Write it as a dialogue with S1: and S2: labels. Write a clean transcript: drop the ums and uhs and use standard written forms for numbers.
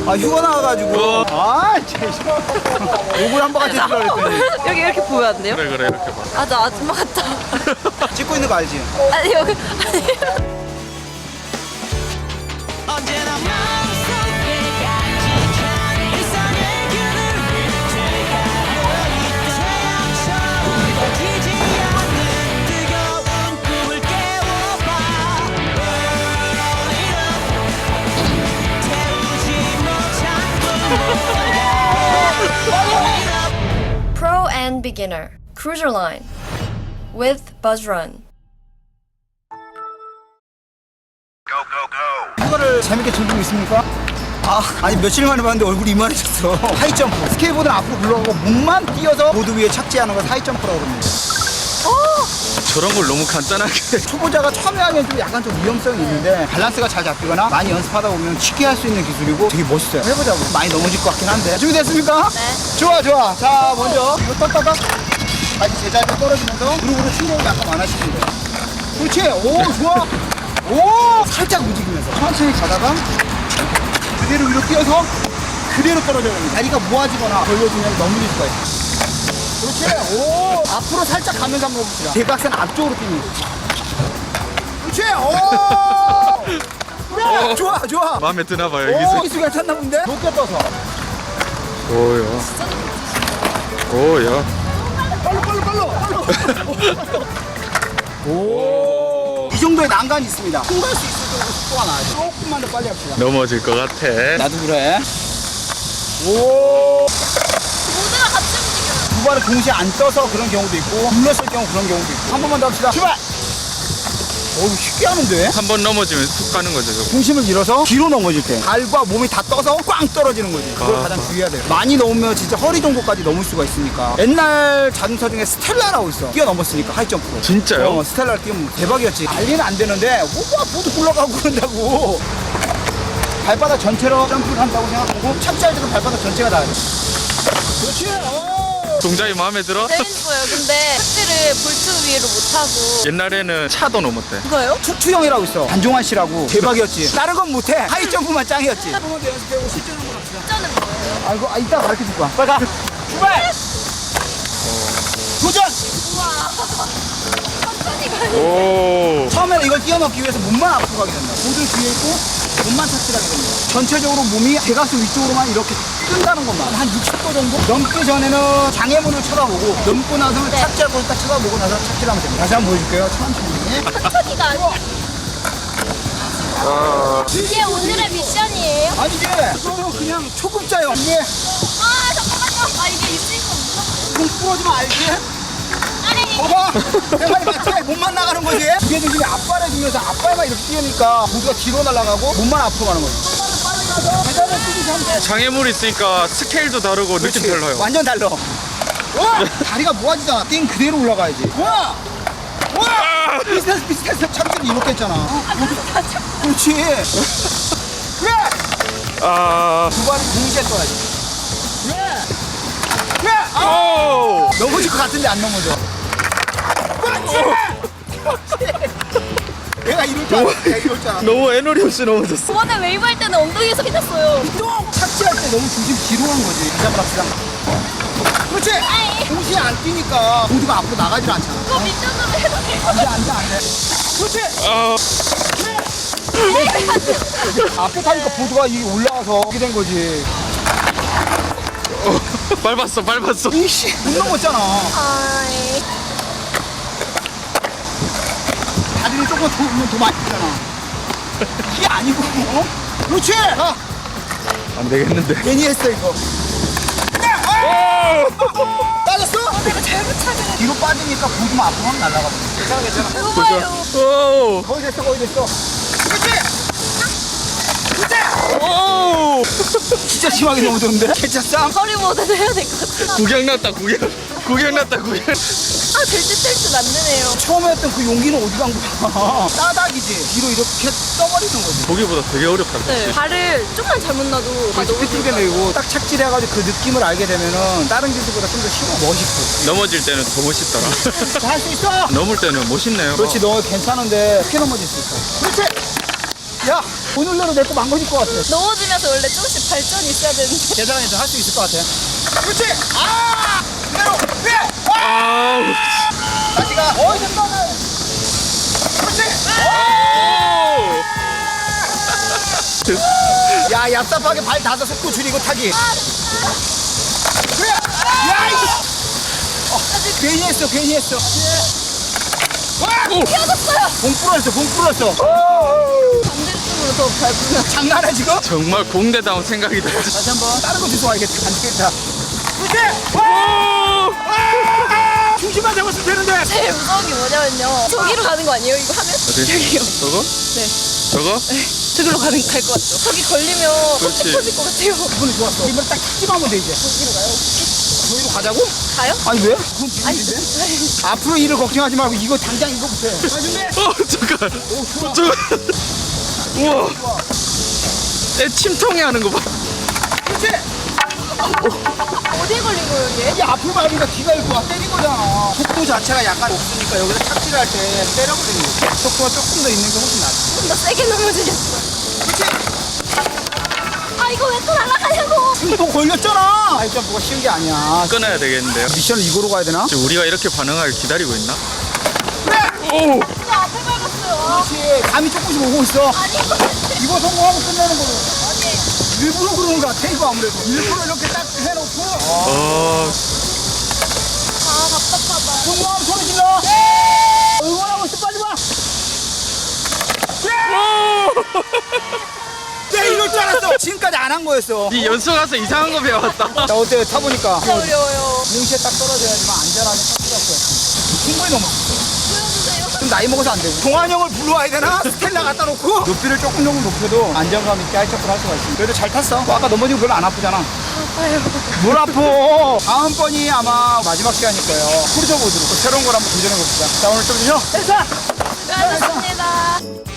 S1: 아 휴가 나와가지고. 욕을 한 번 같이 들으라 그랬더니.
S2: 여기 이렇게 보면 안 돼요?
S3: 그래 이렇게 봐.
S2: 아, 나 아줌마 같다.
S1: 찍고 있는 거 알지?
S2: 아니, 여기. 아니.
S4: Pro and Beginner Cruiser Line with Buzz Run.
S1: 휴가를 재밌게 즐기고 있습니까? 아니 며칠 만에 봤는데 얼굴이 이만해졌어. 하이점프. 스케이트보드는 앞으로 굴러가고 몸만 뛰어서 보드 위에 착지하는 걸 하이점프라고 합니다.
S3: 저런 걸 너무 간단하게.
S1: 초보자가 처음에 하면 좀 약간 좀 위험성이 있는데 밸런스가 잘 잡히거나 많이 연습하다 보면 쉽게 할 수 있는 기술이고 되게 멋있어요. 해보자고. 많이 넘어질 것 같긴 한데. 준비됐습니까?
S2: 네.
S1: 좋아. 자 먼저 이거 떴다가 다시 제자리로 떨어지면서 무릎으로 충격을 약간 안 하시면 돼요. 그렇지. 오 좋아. 오 살짝 움직이면서 천천히 가다가 그대로 위로 뛰어서 그대로 떨어져야 됩니다. 다리가 모아지거나 벌려지면 넘어질 수가 있어요. 그렇지. 오 앞으로 살짝 가면서 한번 해봅시다. 대각선 앞쪽으로 뛰는 거. 그렇지. 오 좋아.
S3: 마음에 드나 봐요
S1: 오
S3: 여기서.
S1: 기술 괜찮나 본데? 높게 떠서.
S3: 오야.
S1: 빨로. 오. 이 정도의 난간이 있습니다. 통과할 수 있을 정도 속도가 나야죠. 조금만 더 빨리 합시다.
S3: 넘어질 것 같아.
S1: 나도 그래. 오.
S2: 모두가 같이 움직여요.
S1: 두 발을 동시에 안 떠서 그런 경우도 있고 눌렀을 경우 그런 경우도 있고. 한 번만 더 합시다. 출발. 오 쉽게 하는데?
S3: 한 번 넘어지면 툭 가는 거죠. 저거.
S1: 중심을 잃어서 뒤로 넘어질 때 발과 몸이 다 떠서 꽝 떨어지는 거지. 그걸 가장 주의해야 돼요. 많이 넘으면 진짜 허리 정도까지 넘을 수가 있으니까. 옛날 자동차 중에 스텔라라고 있어. 뛰어넘었으니까 하이점프로.
S3: 진짜요?
S1: 스텔라를 뛰면 대박이었지. 난리는 안 되는데 뭐가 보드 굴러가고 그런다고. 발바닥 전체로 점프를 한다고 생각하고 착지할 때도 발바닥 전체가 닿아요. 그렇지.
S3: 동작이 마음에 들어?
S2: 재밌어요. 근데 착지를 볼트 위로 못하고.
S3: 옛날에는 차도 넘었대.
S2: 그거요?
S1: 투투형이라고 있어. 안종환 씨라고. 대박이었지. 다른 건 못해. 하이점프만 짱이었지. 한번 더 연습해보고 실전 한번 합시다.
S2: 진짜는 뭐예요?
S1: 아이고, 이따 가르쳐 줄 거야. 빨리 가. 출발! 도전!
S2: 우와. 천천히 가요.
S3: 오.
S1: 처음에는 이걸 뛰어넘기 위해서 몸만 앞으로 가게 된다. 보드 뒤에 있고 몸만 착지하게 됩니다. 전체적으로 몸이 대각선 위쪽으로만 이렇게 뜬다는 것만. 한 60도 정도? 넘기 전에는 장애물을 쳐다보고 넘고 나서는
S2: 네.
S1: 착지할 곳을 딱 쳐다보고 나서 착지를 하면 됩니다. 다시 한번 보여줄게요. 천천히.
S2: 천천히가 아니에요. 이게 오늘의 미션이에요?
S1: 아니지. 이거는 그냥 초급자용. 이게
S2: 아, 잠깐만요. 아, 이게 있으니까 무섭다.
S1: 공 부러지면 알지?
S2: 아니,
S1: 봐봐! 내 말이 맞지? 몸만 나가는 거지? 무게중심이 앞발에 주면서 앞발만 이렇게 뛰니까 보드가 뒤로 날아가고 몸만 앞으로 가는 거지. 계단을 뛰듯이 하면 돼.
S3: 장애물 있으니까 스케일도 다르고 느낌
S1: 그렇지.
S3: 달라요.
S1: 완전 달라. 와! 다리가 모아지잖아. 띵 그대로 올라가야지. 와! 와! 비슷했어. 착지를 이렇게 했잖아. 그렇지. 그래!
S3: 아.
S1: 두 발을 동시에 써야지. 그래! 그래!
S3: 오.
S1: 넘어질 것 같은데 안 넘어져. 그렇지! 내가 이럴 줄 알았어. 내가 이럴 줄 알았어.
S3: 너무 에너지 없이 넘어졌어.
S2: 저번에 웨이브 할 때는 엉덩이에서 피났어요.
S1: 똥! 착지할 때 너무 중심 뒤로 간 거지. 다시 한번 합시다. 그렇지!
S2: 아이.
S1: 동시에 안 뛰니까 보드가 앞으로 나가질 않잖아.
S2: 그거 미션으로 해도 될것
S1: 안 돼, 안 돼, 안 돼. 그렇지!
S3: 아.
S1: 앞에 타니까 보드가 이게 올라와서 이렇게 된 거지.
S3: 밟았어.
S1: 이씨, 못 넘었잖아.
S2: 아이.
S1: 다리를 조금 더 많이 뛰잖아. 이게 아니고, 어? 그렇지! 가!
S3: 안 되겠는데.
S1: 괜히 했어, 이거. 빠졌어?
S2: 내가 잘못 찾은
S1: 뒤로 빠지니까 보드만 앞으로 확 날아가 버려. 괜찮아.
S2: 거예요.
S3: 오.
S1: 거의 됐어. 그렇지! 그렇지!
S3: 오.
S1: 진짜 심하게 넘어졌는데? 괜찮어?
S2: 허리 모드도 해야 될 것 같아.
S3: 구경 났다.
S2: 아, 될듯 안 되네요.
S1: 처음에 했던 그 용기는 어디 간 거야? 따닥이지. 뒤로 이렇게 떠버리는 거지.
S3: 보기보다 되게 어렵다.
S2: 네. 발을 좀만 잘못 놔도 다 너무
S1: 삐뚤게 내고 딱 착지를 해가지고 그 느낌을 알게 되면은 다른 기술보다 좀 더 쉬워. 멋있고.
S3: 넘어질 때는 더 멋있더라.
S1: 할 수 있어!
S3: 넘을 때는 멋있네요.
S1: 그렇지, 너 괜찮은데 크게 넘어질 수 있어. 그렇지! 야, 오늘날로 내 거 망가질 것 같아.
S2: 넘어지면서 원래 조금씩 발전이 있어야 되는데.
S1: 계단에서 할 수 있을 것 같아. 그렇지! 아! 그대로! 위!
S3: 아우.
S1: 다시 가. 됐다. 그렇지! 야, 얍삽하게 발 닿아서 속도 줄이고 타기. 그래! 야, 이거! 괜히 했어, 괜히 했어. 와!
S2: 피어졌어요.
S1: 봉 부러졌어, 봉 부러졌어.
S2: 반대쪽으로 더 밟으면.
S1: 장난해, 지금?
S3: 정말 공대다운 생각이다.
S1: 다시 한 번. 다른 거 주워 와야겠다. 안 되겠다. 그렇지!
S3: 오!
S1: 중심만 잡았으면 되는데.
S2: 제일 무서운 게 뭐냐면요. 저기로 가는 거 아니에요? 이거 하면?
S3: 어디?
S2: 저기요.
S3: 저거?
S2: 네.
S3: 저거?
S2: 저기로 갈 것 같죠? 저기 걸리면
S3: 그렇지.
S2: 껍질 터질 것 같아요.
S1: 이번에 좋았어. 이번에 딱 탁지만 하면 돼, 이제.
S2: 저기로 가요?
S1: 저기로 가자고?
S2: 가요?
S1: 아니, 왜? 그건
S2: 아니,
S1: 비밀인데? 앞으로 일을 걱정하지 말고 이거 당장 이거부터 해. 자, 준비!
S3: 잠깐.
S1: 오, 좋아.
S3: 저거. 우와. 애 침통이 하는 거 봐.
S1: 그렇지!
S2: 어디에 걸린 거예요, 얘?
S1: 이게 앞으로 밟으니까 뒤가 이렇게 와 때린 거잖아. 속도 자체가 약간 없으니까 여기서 착지를 할 때 때려버리는 거야. 속도가 조금 더 있는 게 훨씬 낫지.
S2: 좀 더 세게 넘어지겠어.
S1: 그렇지!
S2: 아, 이거 왜 또 날아가냐고!
S1: 지금 더 걸렸잖아! 아이, 뭐가 쉬운 게 아니야.
S3: 끊어야 되겠는데요.
S1: 미션을 이거로 가야 되나?
S3: 지금 우리가 이렇게 반응하길 기다리고 있나?
S1: 그래!
S3: 오!
S2: 저 앞에 밟았어요.
S1: 그렇지. 감이 조금씩 오고 있어.
S2: 아니,
S1: 이거 성공하고 끝내는 거로.
S2: 아니.
S1: 일부러 그러는 거 같아, 이거 아무래도. 일부러 이렇게 딱 해놓고.
S3: 어.
S2: 아, 답답하다.
S1: 성공하면 소리 질러! 응원하고 있어, 빨리 와! 내 이럴 줄 알았어! 지금까지 안 한 거였어.
S3: 이 연수 가서 이상한 거 배웠다.
S1: 자, 어때요? 타보니까.
S2: 진짜 어려워요.
S1: 뭉치에 딱 떨어져야지만 안전하게 탈 수가 없어. 충분히 넘어.
S2: 보여주세요.
S1: 좀 나이 먹어서 안 되고. 동환 형을 불러와야 되나? 스텔라 갖다 놓고. 높이를 조금 높여도 안정감 있게 하이차프를 할 수가 있어. 그래도 잘 탔어. 아까 넘어지고 별로 안 아프잖아.
S2: 아파요.
S1: 뭘 아파? 다음번이 아마 마지막 시간일 거예요. 크루저 보드로 새로운 걸 한번 도전해 봅시다. 자, 오늘 좀 쉬어. 됐어!
S2: 수고하셨습니다.